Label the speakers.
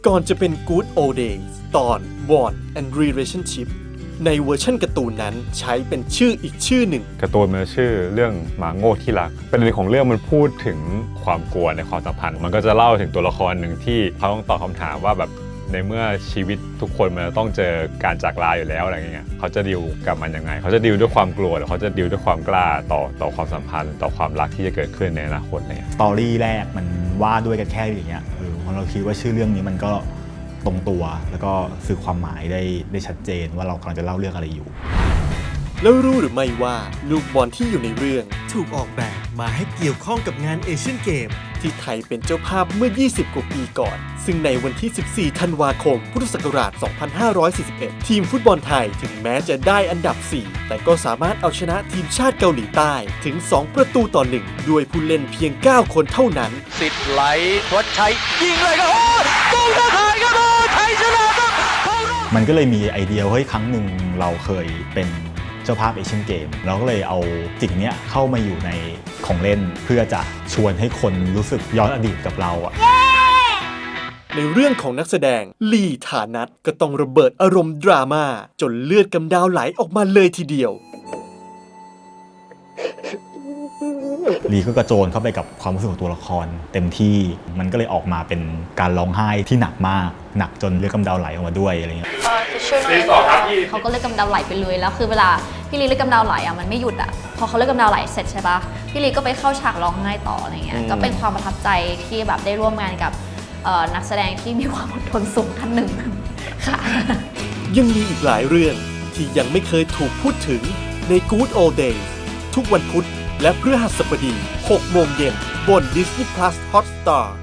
Speaker 1: ก่อนจะเป็น Good Old Days ตอน Bond and Relationship ในเวอร์ชันการ์ตูนนั้นใช้เป็นชื่ออีกชื่อหนึ่ง
Speaker 2: การ์ตูนมันชื่อเรื่องหมาโง่ที่รักประเด็นของเรื่องมันพูดถึงความกลัวในความสัมพันธ์มันก็จะเล่าถึงตัวละครหนึ่งที่เขาต้องตอบคำถามว่าแบบในเมื่อชีวิตทุกคนมันต้องเจอการจากลาอยู่แล้วอะไรเงี้ยเขาจะดีลกับมันยังไงเขาจะดีลด้วยความกลัวหรือเขาจะดีลด้วยความกล้าต่อความสัมพันธ์ต่อความรักที่จะเกิดขึ้นในอนาคตอะไรเงี้ย
Speaker 3: สตอรี่แรกมันว่าด้วยกันแค่อย่างเงี้ยเราคิดว่าชื่อเรื่องนี้มันก็ตรงตัวแล้วก็สื่อความหมายได้ชัดเจนว่าเรากำลังจะเล่าเรื่องอะไรอยู่
Speaker 1: แล้วรู้หรือไม่ว่าลูกบอลที่อยู่ในเรื่อง
Speaker 4: ถูกออกแบบมาให้เกี่ยวข้องกับงานเอเชียนเกม
Speaker 1: ที่ไทยเป็นเจ้าภาพเมื่อ 20 กว่าปีก่อนซึ่งในวันที่ 14 ธันวาคม พุทธศักราช 2541 ทีมฟุตบอลไทยถึงแม้จะได้อันดับ 4 แต่ก็สามารถเอาชนะทีมชาติเกาหลีใต้ถึง 2 ประตูต่อ 1 ด้วยผู้เล่นเพียง 9 คนเท่านั้น
Speaker 5: สิทธิ์ไหลทวัชชัยยิงเลยครับโอ้ตุ้งไทยครับไทยชนะครับ
Speaker 3: มันก็เลยมีไอเดียเฮ้ยครั้งหนึ่งเราเคยเป็นเจ้าภาพเอเชียนเกมเราก็เลยเอาสิ่งนี้เข้ามาอยู่ในของเล่นเพื่อจะชวนให้คนรู้สึกย้อนอดีตกับเรา
Speaker 1: ในเรื่องของนักแสดงลีฐานัทก็ต้องระเบิดอารมณ์ดราม่าจนเลือดกำดาวไหลออกมาเลยทีเดียว
Speaker 3: ลีก็กระโจนเข้าไปกับความรู้สึกของตัวละครเต็มที่มันก็เลยออกมาเป็นการร้องไห้ที่หนักมากหนักจนเลือดกำเดาไหลออกมาด้วยอะไรเงี้ย
Speaker 6: เขาก็เลือดกำเดาไหลไปเลยแล้วคือเวลาพี่ลีเลือดกำเดาไหลอ่ะมันไม่หยุดอ่ะพอเขาเลือดกำเดาไหลเสร็จใช่ปะพี่ลีก็ไปเข้าฉากร้องไห้ต่ออะไรเงี้ยก็เป็นความประทับใจที่แบบได้ร่วมงานกับนักแสดงที่มีความอดทนสูงท่านหนึ่งค่ะ
Speaker 1: ยังมีอีกหลายเรื่องที่ยังไม่เคยถูกพูดถึงใน Good Old Days ทุกวันพุธและพฤหัสบดี 6 โมงเย็นบน Disney Plus Hotstar